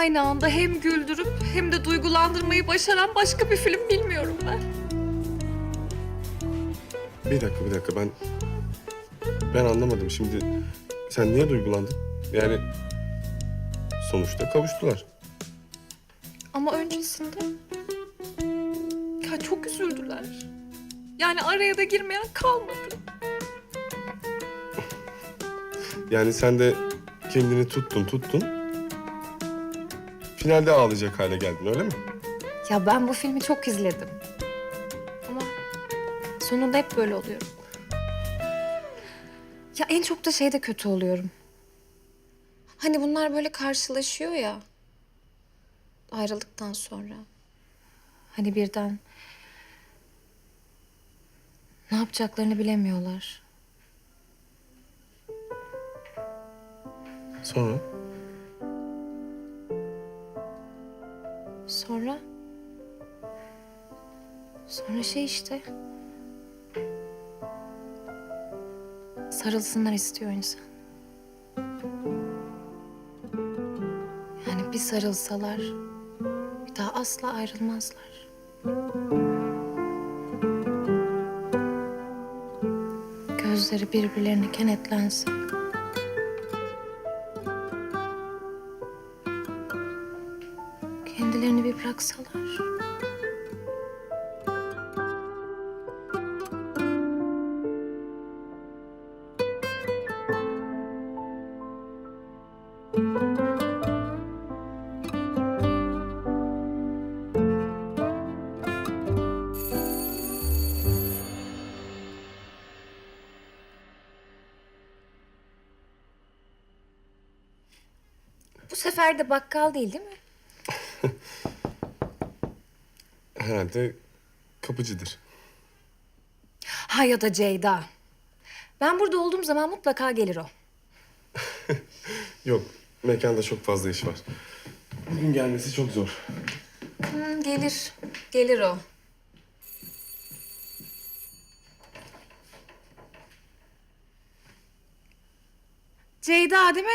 aynı anda hem güldürüp hem de duygulandırmayı başaran başka bir film bilmiyorum ben. Bir dakika ben anlamadım şimdi. Sen niye duygulandın? Yani sonuçta kavuştular. Ama öncesinde ya çok üzüldüler. Yani araya da girmeyen kalmadı. Yani sen de kendini tuttun. Finalde ağlayacak hale geldin öyle mi? Ya ben bu filmi çok izledim. Ama sonunda hep böyle oluyorum. Ya en çok da şeyde kötü oluyorum. Hani bunlar böyle karşılaşıyor ya. Ayrıldıktan sonra. Hani birden ne yapacaklarını bilemiyorlar. Sonra? Sonra şey işte. Sarılsınlar istiyor insan. Yani bir sarılsalar bir daha asla ayrılmazlar. Gözleri birbirlerine kenetlensin. Kendilerini bir bıraksalar. Bu sefer de bakkal değil mi? Herhalde kapıcıdır. Ha ya da Ceyda. Ben burada olduğum zaman mutlaka gelir o. Yok, mekanda çok fazla iş var. Bugün gelmesi çok zor. Gelir. Gelir o. Ceyda değil mi?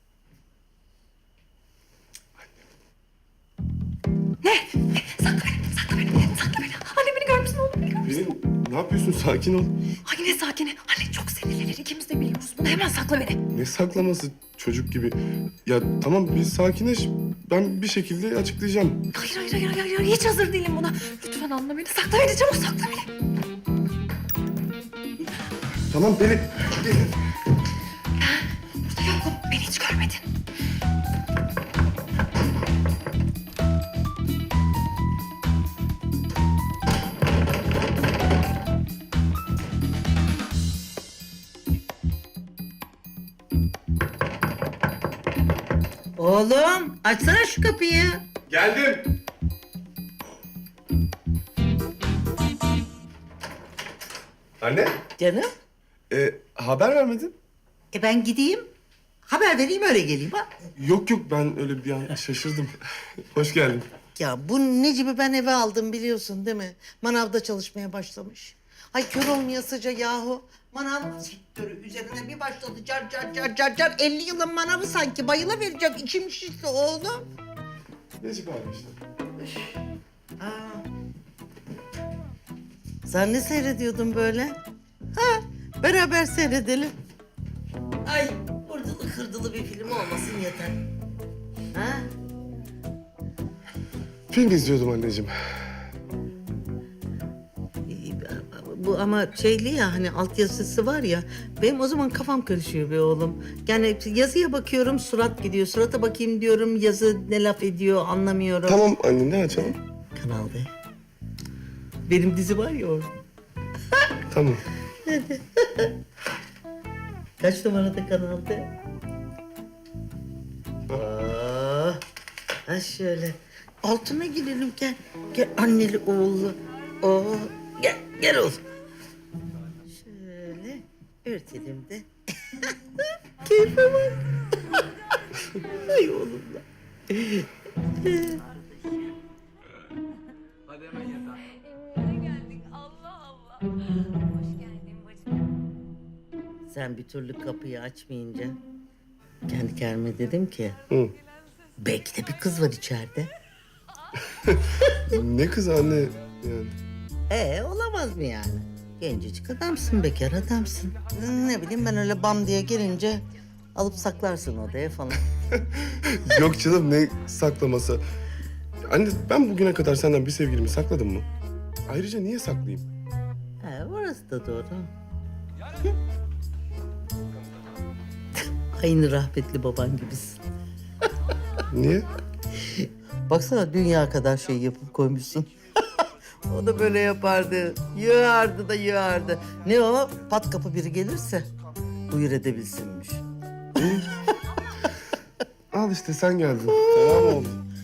Ne? Sakla beni. Anne beni görmüşsün oğlum, beni görmüşsün. Pelin, ne yapıyorsun? Sakin ol. Ay ne sakini. Anne çok sinirlenir. İkimiz de biliyoruz bunu. Hemen sakla beni. Ne saklaması çocuk gibi? Ya tamam bir sakinleş. Ben bir şekilde açıklayacağım. Hayır. Hiç hazır değilim buna. Lütfen anla beni. Sakla beni. Çabuk sakla beni. Tamam Pelin. Burada yokum. Beni hiç görmedin. Oğlum açsana şu kapıyı. Geldim. Anne, Canım. haber vermedin. Ben gideyim. Haber vereyim öyle geleyim ha. Yok ben öyle bir an şaşırdım. Hoş geldin. Ya bu Necip'i ben eve aldım biliyorsun değil mi? Manavda çalışmaya başlamış. Ay kör olmayasıca yahu. Manav sektörü üzerine bir başladı car. 50 yılın manavı sanki bayılıvereceğim. İçim şişti oğlum. Necip abi işte. Aa. Sen ne seyrediyordun böyle? Ha, beraber seyredelim. Ay, vurdulu kırdılı bir film olmasın yeter. Ha? Film izliyordum anneciğim. Bu ama şeyli ya hani altyazısı var ya. Benim o zaman kafam karışıyor be oğlum. Yani yazıya bakıyorum surat gidiyor. Surata bakayım diyorum yazı ne laf ediyor anlamıyorum. Tamam anne ne açalım? Kanal B. Benim dizi var ya orada. Tamam. Kaç numarada Kanal B? Ha şöyle. Altına girelim gel. Gel anneli oğullu. Gel oğlum. Şöyle örtelim de. Keyfe bak. Ay oğlum da. Hadi hemen yatağa. Evimize geldik. Allah Allah. Hoş geldin bacım. Sen bir türlü kapıyı açmayınca kendi kendime dedim ki Hı. Belki de bir kız var içeride. Ne kız anne yani. Olamaz mı yani? Gencecik adamsın, bekar adamsın. Ne bileyim ben öyle bam diye gelince alıp saklarsın odaya falan. Yok canım ne saklaması. Anne ben bugüne kadar senden bir sevgilimi sakladım mı? Ayrıca niye saklayayım? Orası da doğru. Aynı rahmetli baban gibisin. Niye? Baksana dünya kadar şey yapıp koymuşsun. O da böyle yapardı. Yığardı da yığardı. Ne o? Pat kapı biri gelirse buyur edebilsinmiş. Al işte sen geldin. Tamam oldu.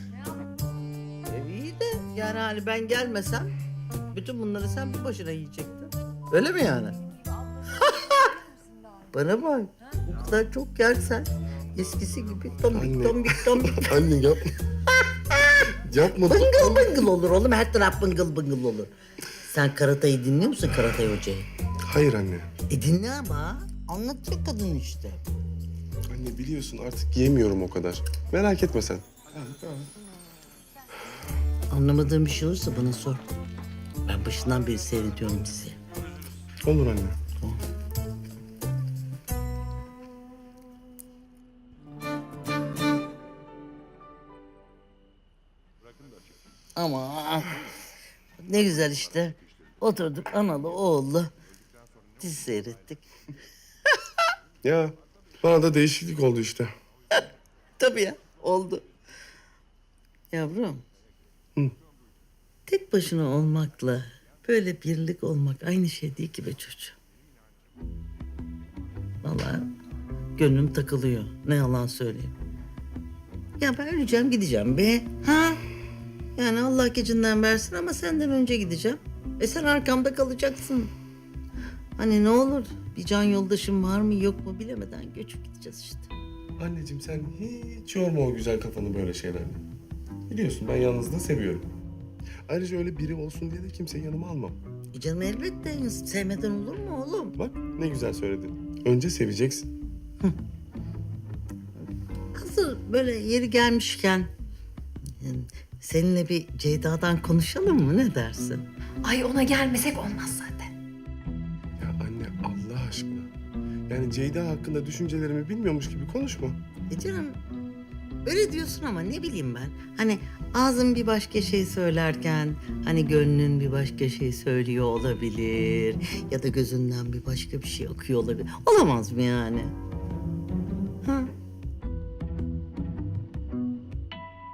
İyi de yani hani ben gelmesem bütün bunları sen bir başına yiyecektin. Öyle mi yani? Bana bak. Bu kadar çok yersen eskisi gibi tombik Anne. tombik tombik. Anne yapma. Yapma. Bıngıl bıngıl olur oğlum. Her taraf bıngıl bıngıl olur. Sen Karatay'ı dinliyor musun, Karatay Hoca'yı? Hayır anne. Dinle ama. Anlatacak kadın işte. Anne biliyorsun artık yemiyorum o kadar. Merak etme sen. Anlamadığın bir şey olursa bana sor. Ben başından beri seyrediyorum diziyi. Olur anne. Ama ne güzel işte. Oturduk analı oğullu dizi seyrettik. Ya bana da değişiklik oldu işte. Tabii ya, oldu. Yavrum. Tek başına olmakla böyle birlik olmak aynı şey değil ki be çocuğum. Vallahi gönlüm takılıyor. Ne yalan söyleyeyim. Ya ben öleceğim gideceğim be. Ha? Yani Allah gecinden versin ama senden önce gideceğim. Sen arkamda kalacaksın. Hani ne olur bir can yoldaşım var mı yok mu bilemeden göçüp gideceğiz işte. Anneciğim sen hiç yorma o güzel kafanı böyle şeylerle. Biliyorsun ben yalnızlığı seviyorum. Ayrıca öyle biri olsun diye de kimseyi yanıma almam. Canım elbette sevmeden olur mu oğlum? Bak ne güzel söyledin. Önce seveceksin. Hazır böyle yeri gelmişken yani seninle bir Ceyda'dan konuşalım mı ne dersin? Ay ona gelmesek olmaz zaten. Ya anne Allah aşkına. Yani Ceyda hakkında düşüncelerimi bilmiyormuş gibi konuşma. Canım öyle diyorsun ama ne bileyim ben. Hani ağzın bir başka şey söylerken hani gönlün bir başka şey söylüyor olabilir. Ya da gözünden bir başka bir şey akıyor olabilir. Olamaz mı yani? Ha?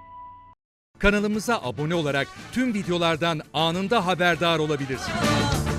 Kanalımıza abone olarak tüm videolardan anında haberdar olabilirsiniz.